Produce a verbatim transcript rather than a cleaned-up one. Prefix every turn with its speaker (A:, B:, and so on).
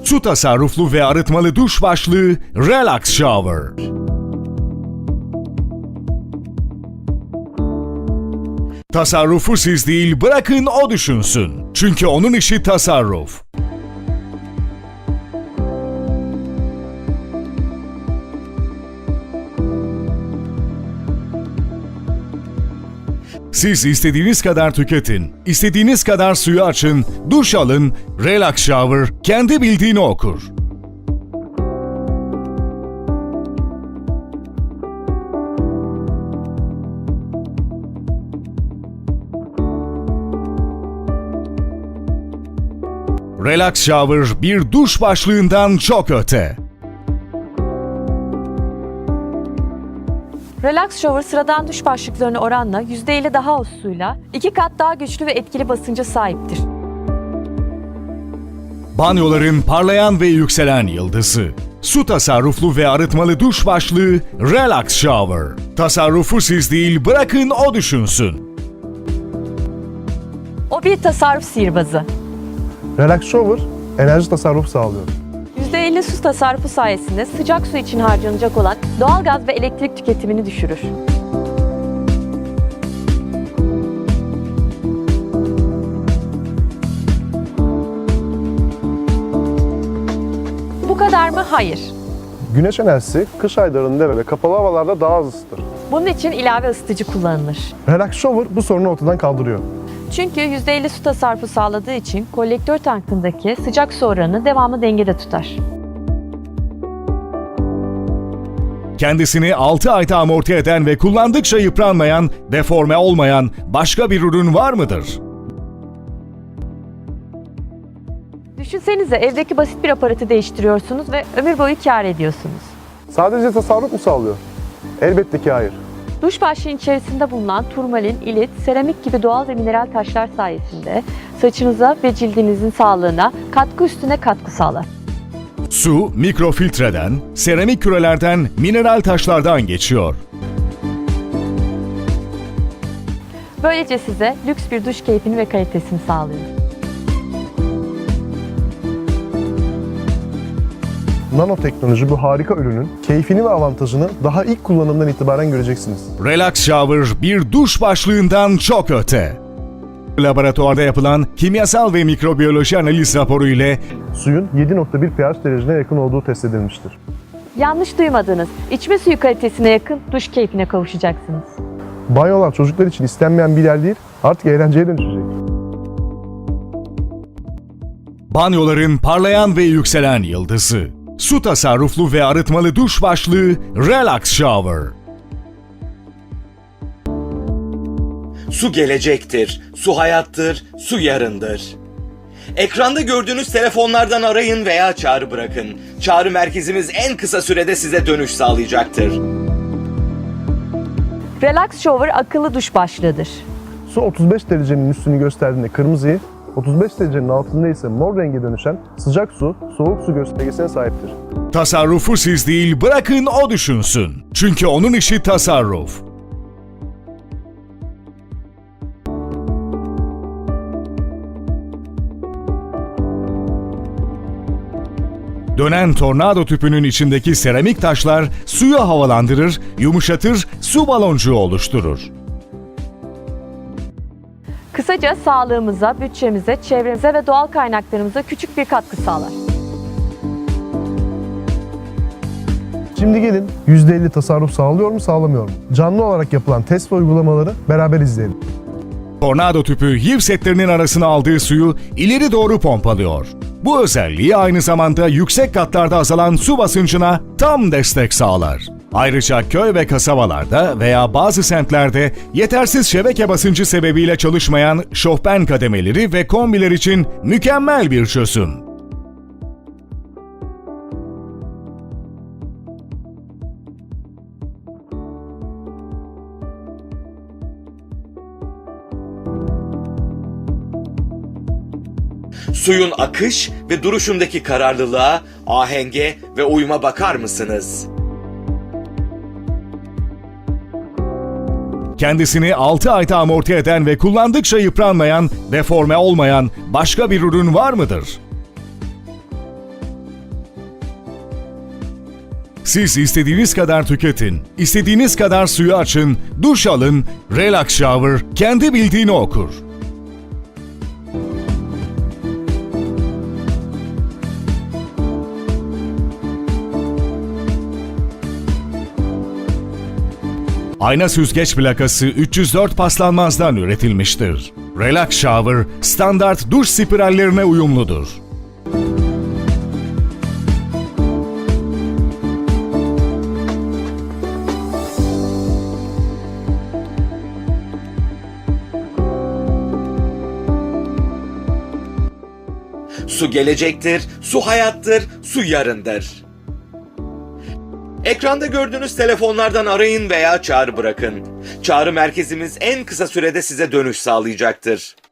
A: Su tasarruflu ve arıtmalı duş başlığı Relax Shower. Tasarrufu siz değil, bırakın o düşünsün. Çünkü onun işi tasarruf. Siz istediğiniz kadar tüketin, istediğiniz kadar suyu açın, duş alın, Relax Shower kendi bildiğini okur. Relax Shower bir duş başlığından çok öte.
B: Relax Shower sıradan duş başlıklarına oranla yüzde elli daha az suyla iki kat daha güçlü ve etkili basınca sahiptir.
A: Banyoların parlayan ve yükselen yıldızı. Su tasarruflu ve arıtmalı duş başlığı Relax Shower. Tasarrufu siz değil, bırakın o düşünsün.
B: O bir tasarruf sihirbazı.
C: Relax Shower enerji tasarrufu sağlıyor.
B: yüzde elli su tasarrufu sayesinde sıcak su için harcanacak olan doğalgaz ve elektrik tüketimini düşürür. Bu kadar mı? Hayır.
C: Güneş enerjisi kış aylarında ve kapalı havalarda daha az ısıtır.
B: Bunun için ilave ısıtıcı kullanılır.
C: Relax Shower bu sorunu ortadan kaldırıyor.
B: Çünkü yüzde elli su tasarrufu sağladığı için kolektör tankındaki sıcak su oranını devamlı dengede tutar.
A: Kendisini altı ayda amorti eden ve kullandıkça yıpranmayan, deforme olmayan başka bir ürün var mıdır?
B: Düşünsenize, evdeki basit bir aparatı değiştiriyorsunuz ve ömür boyu kâr ediyorsunuz.
C: Sadece tasarruf mu sağlıyor? Elbette ki hayır.
B: Duş başlığının içerisinde bulunan turmalin, ilit, seramik gibi doğal ve mineral taşlar sayesinde saçınıza ve cildinizin sağlığına katkı üstüne katkı sağlar.
A: Su, mikrofiltreden, seramik kürelerden, mineral taşlardan geçiyor.
B: Böylece size lüks bir duş keyfini ve kalitesini sağlıyor.
C: Nanoteknoloji bu harika ürünün keyfini ve avantajını daha ilk kullanımdan itibaren göreceksiniz.
A: Relax Shower bir duş başlığından çok öte. Laboratuvarda yapılan kimyasal ve mikrobiyoloji analiz raporu ile
C: Suyun yedi nokta bir pH derecesine yakın olduğu test edilmiştir.
B: Yanlış duymadınız. İçme suyu kalitesine yakın duş keyfine kavuşacaksınız.
C: Banyolar çocuklar için istenmeyen bir yer değil, artık eğlenceye dönüşecek.
A: banyoların parlayan ve yükselen yıldızı. Su tasarruflu ve arıtmalı duş başlığı Relax Shower.
D: Su gelecektir, su hayattır, su yarındır. Ekranda gördüğünüz telefonlardan arayın veya çağrı bırakın. Çağrı merkezimiz en kısa sürede size dönüş sağlayacaktır.
B: Relax Shower akıllı duş başlığıdır.
C: Su otuz beş derecenin üstünü gösterdiğinde kırmızıyı, otuz beş derecenin altında ise mor renge dönüşen sıcak su, soğuk su göstergesine sahiptir.
A: Tasarrufu siz değil, bırakın o düşünsün. Çünkü onun işi tasarruf. Dönen tornado tüpünün içindeki seramik taşlar suyu havalandırır, yumuşatır, su baloncuğu oluşturur.
B: Kısaca sağlığımıza, bütçemize, çevremize ve doğal kaynaklarımıza küçük bir katkı sağlar.
C: Şimdi gelin yüzde elli tasarruf sağlıyor mu sağlamıyor mu? Canlı olarak yapılan test ve uygulamaları beraber izleyelim.
A: Tornado tüpü H I V setlerinin arasına aldığı suyu ileri doğru pompalıyor. Bu özelliği aynı zamanda yüksek katlarda azalan su basıncına tam destek sağlar. Ayrıca köy ve kasabalarda veya bazı semtlerde yetersiz şebeke basıncı sebebiyle çalışmayan şofben kademeleri ve kombiler için mükemmel bir çözüm.
D: Suyun akış ve duruşundaki kararlılığa, ahenge ve uyuma bakar mısınız?
A: Kendisini altı ayda amorti eden ve kullandıkça yıpranmayan, deforme olmayan başka bir ürün var mıdır? Siz istediğiniz kadar tüketin, istediğiniz kadar suyu açın, duş alın, Relax Shower kendi bildiğini okur. Ayna süzgeç plakası üç yüz dört paslanmazdan üretilmiştir. Relax Shower, standart duş spirallerine uyumludur.
D: Su gelecektir, su hayattır, su yarındır. Ekranda gördüğünüz telefonlardan arayın veya çağrı bırakın. Çağrı merkezimiz en kısa sürede size dönüş sağlayacaktır.